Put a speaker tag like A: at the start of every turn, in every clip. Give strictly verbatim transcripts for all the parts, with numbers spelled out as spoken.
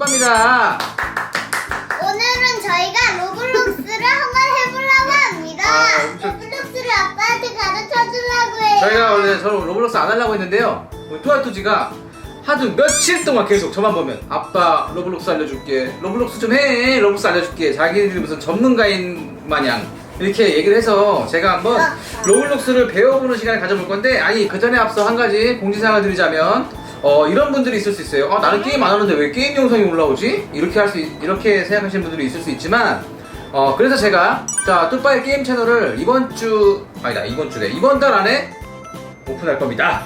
A: 합니다.
B: 오늘은 저희가 로블록스를 한번 해보려고 합니다.
A: 아, 엄청-
B: 로블록스를 아빠한테 가르쳐 주려고 해요.
A: 저희가 원래 저 로블록스 안 하려고 했는데요. 우리 뚜아뚜지가 하도 며칠 동안 계속 저만 보면 아빠 로블록스 알려줄게, 로블록스 좀 해, 로블록스 알려줄게, 자기들이 무슨 전문가인 마냥 이렇게 얘기를 해서 제가 한번 로블록스를 배워보는 시간을 가져볼 건데, 아니 그 전에 앞서 한 가지 공지사항을 드리자면 어 이런 분들이 있을 수 있어요. 아, 나는 게임 안 하는데 왜 게임 영상이 올라오지? 이렇게 할 수 이렇게 생각하시는 분들이 있을 수 있지만, 어 그래서 제가 자 뚜빠의 게임 채널을 이번 주 아니다 이번 주래 이번 달 안에 오픈할 겁니다.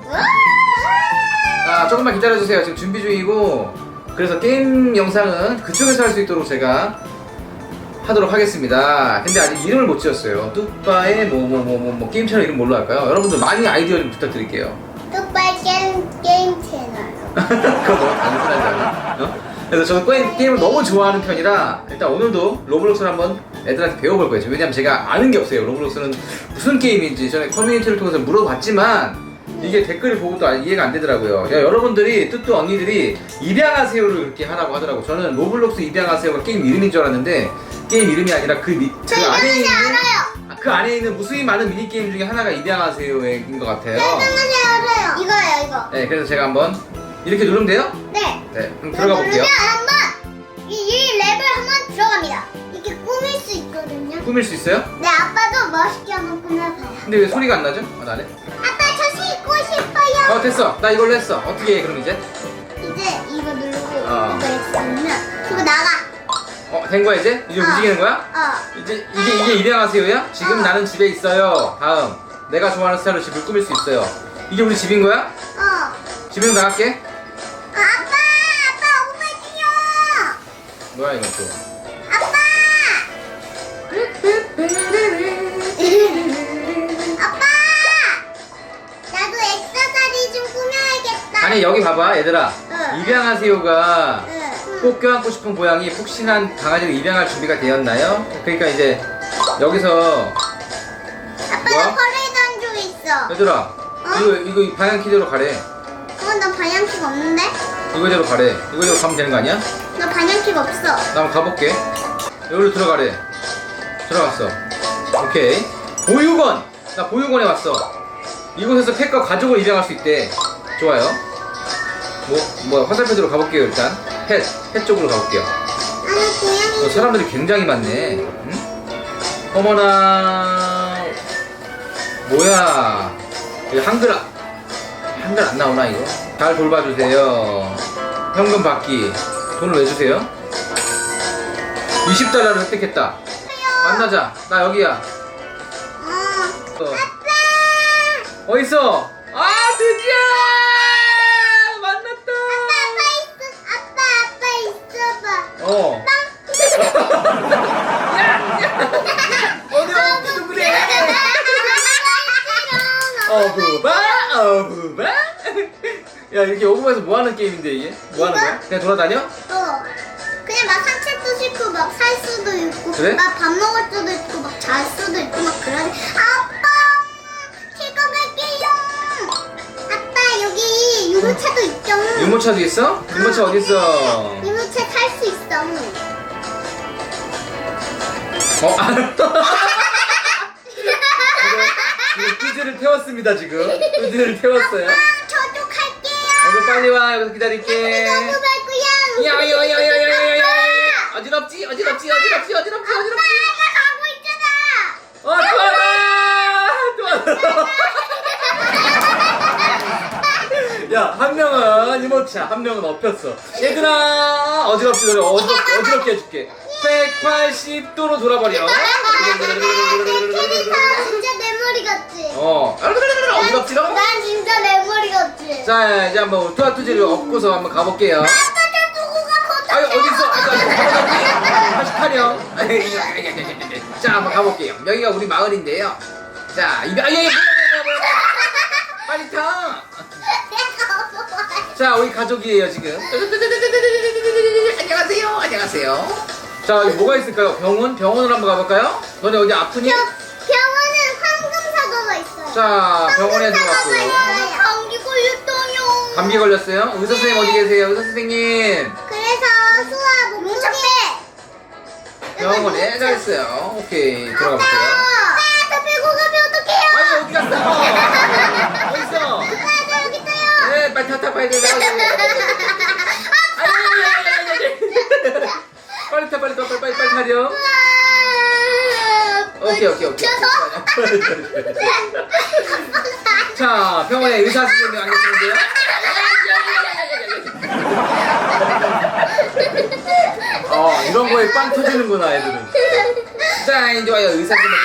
A: 아, 조금만 기다려주세요. 지금 준비 중이고, 그래서 게임 영상은 그쪽에서 할 수 있도록 제가 하도록 하겠습니다. 근데 아직 이름을 못 지었어요. 뚜빠의 뭐 뭐 뭐 뭐 뭐 게임 채널 이름 뭘로 할까요? 여러분들 많이 아이디어 좀 부탁드릴게요.
B: 뚜빠의 게임, 게임 채널.
A: 그거 너무 단순하지 않아? 어? 그래서 저는 게임, 게임을 너무 좋아하는 편이라 일단 오늘도 로블록스를 한번 애들한테 배워볼 거예요. 왜냐면 제가 아는 게 없어요. 로블록스는 무슨 게임인지 전에 커뮤니티를 통해서 물어봤지만 이게 댓글을 보고도 이해가 안 되더라고요. 야, 여러분들이 뚜뚜 언니들이 입양하세요를 그렇게 하라고 하더라고. 저는 로블록스 입양하세요가 게임 이름인 줄 알았는데 게임 이름이 아니라 그, 미, 그
B: 저
A: 안에 있는
B: 알아요.
A: 그 안에 있는 무수히 많은 미니 게임 중에 하나가 입양하세요인 것 같아요.
B: 네, 알아요. 이거예요, 이거.
A: 네, 그래서 제가 한번 이렇게 누르면 돼요?
B: 네.
A: 네, 그럼 들어가 볼게요.
B: 누르면 한번 이, 이 랩을 한번 들어갑니다. 이렇게 꾸밀 수 있거든요.
A: 꾸밀 수 있어요?
B: 네, 아빠도 멋있게 한번 꾸며봐요.
A: 근데 왜 소리가 안 나죠? 아, 나네.
B: 아빠 저 씻고 싶어요.
A: 어, 됐어. 나 이걸로 했어. 어떻게 해, 그럼 이제?
B: 이제 이거 누르고
A: 어.
B: 이거 했으면 그리고 나가.
A: 어, 된 거야, 이제? 이제
B: 어.
A: 움직이는 거야?
B: 어.
A: 이제, 이게, 이게 입양하세요야? 지금
B: 어.
A: 나는 집에 있어요. 다음. 내가 좋아하는 스타일로 집을 꾸밀 수 있어요. 이게 우리 집인 거야?
B: 어.
A: 집에서 나갈게.
B: 아, 아빠! 아빠 오빠지요!
A: 뭐야, 이건 또.
B: 아빠! 아빠! 나도 액세서리 좀 꾸며야겠다.
A: 아니, 여기 봐봐, 얘들아.
B: 응.
A: 입양하세요가
B: 응.
A: 꼭 껴안고 싶은 고양이, 푹신한 강아지를 입양할 준비가 되었나요? 그러니까 이제, 여기서,
B: 아빠
A: 뭐야?
B: 나 퍼레이드 줄 있어.
A: 얘들아, 이거, 이거 방향 키대로 가래.
B: 어, 나 반향킥 없는데?
A: 이거대로 가래. 이거대로 가면 되는 거 아니야?
B: 나 반향킥 없어.
A: 나 한번 가볼게. 여기로 들어가래. 들어갔어. 오케이. 보육원! 나 보육원에 왔어. 이곳에서 펫과 가족을 입양할 수 있대. 좋아요. 뭐, 뭐, 화살표대로 가볼게요, 일단. 펫, 펫 쪽으로 가볼게요.
B: 아니, 고양이.
A: 어, 사람들이 굉장히 많네. 응? 어머나. 뭐야. 이거 한글, 아- 한글 안 나오나, 이거? 잘 돌봐주세요. 현금 받기. 돈을 왜 주세요? 이십 달러를 획득했다. 만나자. 나 여기야.
B: 어.
A: 어.
B: 아빠!
A: 어딨어? 아, 드디어! 만났다!
B: 아빠, 아빠 있어. 아빠, 아빠 있어봐.
A: 어. 어디 어디 그래? 어부바, 어부바. 야, 이렇게 어부바에서 뭐 하는 게임인데 이게? 뭐 하는 거야? 그냥 돌아다녀?
B: 어. 그냥 막 산책도 싫고 막 살 수도 있고
A: 그래?
B: 막 밥 먹을 수도 있고 막 잘 수도 있고 막 그러니 아빠 제가 갈게요. 아빠 여기 유모차도 있죠.
A: 유모차도 있어? 유모차 어디 있어?
B: 유모차 탈 수 있어.
A: 어, 알았다. 지금 뚜지를 태웠습니다, 지금. 뚜지를 태웠어요.
B: 아빠 저도 갈게요.
A: 너도 빨리 와, 여기서 기다릴게.
B: 너무 갈 거야.
A: 야야야야야야야야. 어지럽지? 어지럽지? 어지럽지? 어지럽지?
B: 아빠
A: 어지럽지?
B: 나 가고 있잖아.
A: 어, 좋아라! 좋아라! 야, 한 명은 이모차, 한 명은 엎였어. 얘들아! 어지럽지, 너를 어지럽, 어지럽게 해줄게. 백팔십 도로 돌아버려.
B: 진짜 내 머리 같지?
A: 어, 어지럽지로?
B: 난 진짜 내 머리 같지?
A: 자, 이제 한번 투아투지를 업고서 한번 가볼게요.
B: 아빠 저 두고 가고
A: 아유, 어딨어? 아유, 다시 타령. 자, 한번 가볼게요. 여기가 우리 마을인데요. 자, 이거, 아유, 빨리 타! 자, 우리 가족이에요, 지금. 안녕하세요, 안녕하세요. 자, 여기 뭐가 있을까요? 병원? 병원으로 한번 가볼까요? 너네 어디 아프니?
B: 병원은 황금 사과가 있어요.
A: 자, 병원에 들어갔고요.
B: 감기 걸렸어요.
A: 감기 걸렸어요? 의사 선생님 어디 계세요? 의사 선생님.
B: 그래서 수아 몸무게.
A: 병원에 잘했어요. 오케이 들어가 볼게요.
B: 아빠 저 빼고 가면 어떡해요?
A: 아니 어디 갔어? 어디 있어?
B: 아빠 저 여기 있어요.
A: 네 빨리 타타 빨리 타. 빨리 타 빨리 타 빨리 빨리 빨리 타려. 오케이 오케이 오케이. 자 병원에 의사 선생님이 안 계시는데요? 어 이런 거에 빵 터지는구나 애들은. 자 이제 와요 의사 선생님.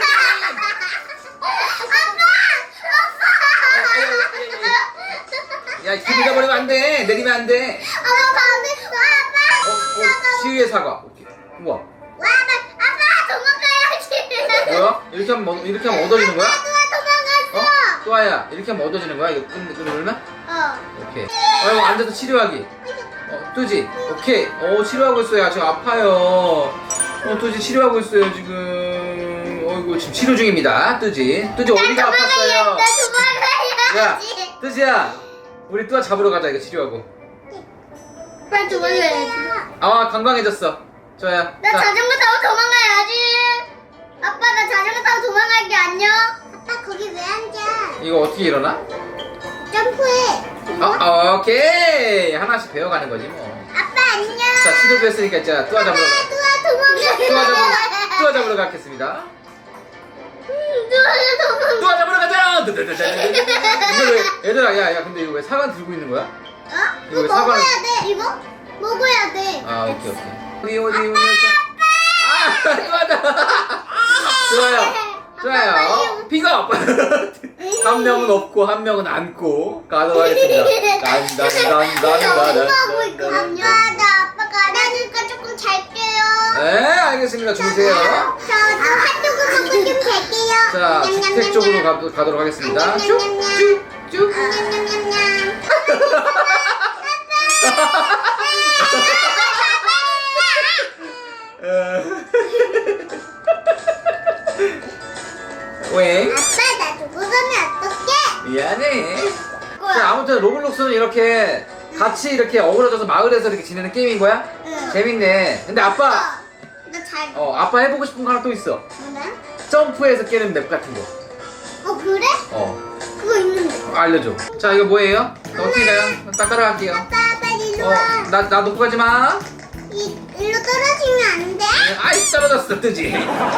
A: 야 기대가 버리면 안 돼. 내리면 안 돼.
B: 아빠 반했어 아빠.
A: 어, 어 치유의 사과. 오케이. 우와.
B: 와 아빠 아빠 도망가야지.
A: 뭐야? 이렇게 하면 뭐- 이렇게 하면 얻어지는 거야?
B: 누가 도망갔어?
A: 어? 또아야 이렇게 하면 얻어지는 거야? 이거 끊 끊으면?
B: 어.
A: 오케이. 어 이거 앉아서 치료하기. 어 뜨지? 오케이. 어 치료하고 있어요. 야, 지금 아파요. 어 뜨지 치료하고 있어요 지금. 어이구 지금 치료 중입니다. 뜨지. 뜨지 어디가 아팠어요?
B: 나
A: 야
B: 도망가야지.
A: 뜨지야. 우리 또아 잡으러 가자 이거 치료하고.
B: 빨리 도망가야지.
A: 아 건강해졌어. 좋아요.
B: 나
A: 자,
B: 자전거 타고 도망가야지. 아빠 나 자전거 타고 도망갈게 안녕. 아빠 거기 왜 앉아?
A: 이거 어떻게 일어나?
B: 점프해.
A: 어, 오케이 하나씩 배워가는 거지 뭐.
B: 아빠 안녕.
A: 자 치료도 했으니까 자 또아 잡으러 가.
B: 뚜아 도망가.
A: 또아 잡으러 또아 잡으러 가겠습니다.
B: 뚜아 도망가.
A: 또아 잡으러 가자. 이거 왜 얘들아 야야 근데 이거 왜 사과 들고 있는 거야?
B: 어?
A: 이거
B: 이거
A: 왜 사과를-
B: 먹어야 돼. 이거 먹어야 돼.
A: 아 오케이 오케이. 어디 어디 어디 아 또아다. 좋아요. 좋아요. 픽업. 한 명은 없고 한 명은 안고 가도록 하겠습니다.
B: 하고 있거든요.
A: 딴딴딴딴딴.
B: 나 아빠가 안아주니까 조금 잘게요.
A: 네 알겠습니다. 주무세요.
B: 저, 저 한쪽으로 먹고 좀 잘게요.
A: 자 주택 쪽으로 가, 가도록 하겠습니다. 쭉쭉쭉.
B: 냠냠냠냠.
A: 왜?
B: 아빠 나 두고 가면 어떡해?
A: 미안해. 자 아무튼 로블록스는 이렇게 같이 이렇게 어우러져서 마을에서 이렇게 지내는 게임인 거야?
B: 응.
A: 재밌네. 근데 아빠
B: 나잘
A: 어 아빠 해보고 싶은 거 하나 또 있어.
B: 뭐래?
A: 점프해서 깨는 맵 같은 거.
B: 어 그래?
A: 어
B: 그거 있는데.
A: 알려줘. 자 이거 뭐예요? 자, 어떻게 가요? 딱 따라갈게요.
B: 아빠 빨리 일로 와.
A: 어나 나 놓고 가지 마.
B: 이 일로 떨어지면 안 돼?
A: 아이 떨어졌어 뜨지.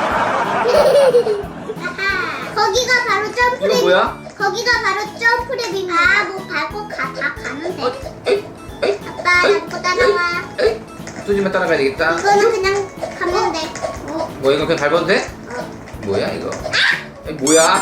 B: 거기가 바로 점프랩.
A: 이거 뭐야?
B: 거기가 바로 점프랩입니다. 아, 뭐 밟고 가, 다 가면 돼.
A: 어, 에이 에이
B: 아빠,
A: 에이,
B: 밟고 따라와.
A: 에이 뜨지만 따라가야 되겠다.
B: 이거는 그냥 가면 돼. 어,
A: 뭐 이거 그냥 밟아도 돼?
B: 어.
A: 뭐야 이거? 에이, 뭐야?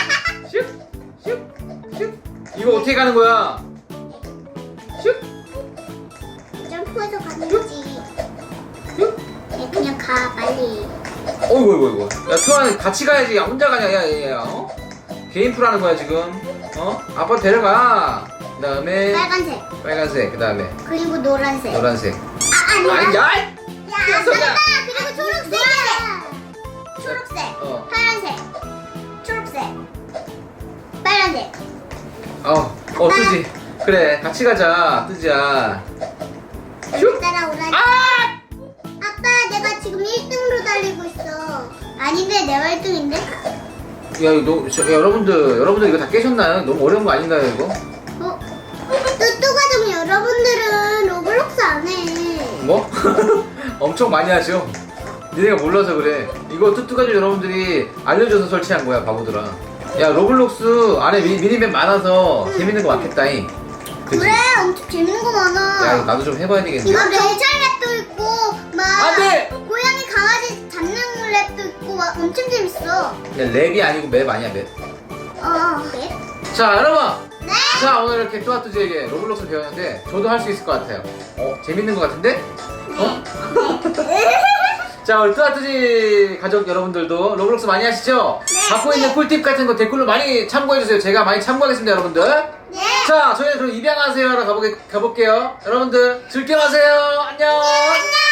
A: 슉슉슉 이거 어떻게 가는 거야? 슉
B: 점프해서 가는 거지.
A: 슉.
B: 얘 그냥 가, 빨리.
A: 어이구 어이구 어이구 야 투아 같이 가야지 야 혼자 가냐 야야야 어? 개인 풀하는 거야 지금 어? 아빠 데려가 그 다음에
B: 빨간색.
A: 빨간색 그 다음에
B: 그리고 노란색.
A: 노란색
B: 아, 아니야.
A: 아니 야!
B: 야,
A: 녀석아.
B: 아빠, 그리고 초록색. 초록색.
A: 어.
B: 파란색. 초록색. 빨간색.
A: 어, 어 뜨지 그래 같이 가자 뜨지야 슉
B: 따라오라니.
A: 아!
B: 아빠, 내가 지금 일 등으로 달리고 있어. 아닌데, 내가 일 등인데?
A: 야 이거 너, 저, 야, 여러분들 여러분들 이거 다 깨셨나요? 너무 어려운 거 아닌가요 이거?
B: 어? 뚜뚜 가족 여러분들은 로블록스 안 해.
A: 뭐? 엄청 많이 하죠. 니네가 몰라서 그래. 이거 뚜뚜가족 여러분들이 알려줘서 설치한 거야 바보들아. 야 로블록스 안에 미, 미니맵 많아서 재밌는 거 많겠다잉. 그치?
B: 그래, 엄청 재밌는 거 많아.
A: 야 이거 나도 좀 해봐야 되겠네.
B: 이거 경찰 랩도 있고, 막
A: 안 돼!
B: 고양이 강아지 잡는 랩도 있고, 막 엄청 재밌어.
A: 야 랩이 아니고 맵 아니야 맵.
B: 어, 랩?
A: 자 여러분.
B: 네?
A: 자 오늘 이렇게 뚜아뚜지에게 로블록스 배웠는데 저도 할 수 있을 것 같아요. 어 재밌는 것 같은데? 어? 자 우리 뚜아뚜지 가족 여러분들도 로블록스 많이 하시죠?
B: 네.
A: 갖고 있는 꿀팁 같은 거 댓글로 많이 참고해주세요. 제가 많이 참고하겠습니다 여러분들.
B: 네.
A: 자 저희는 그럼 입양하세요 하러 가보게, 가볼게요. 여러분들 즐겨하세요. 안녕.
B: 안녕.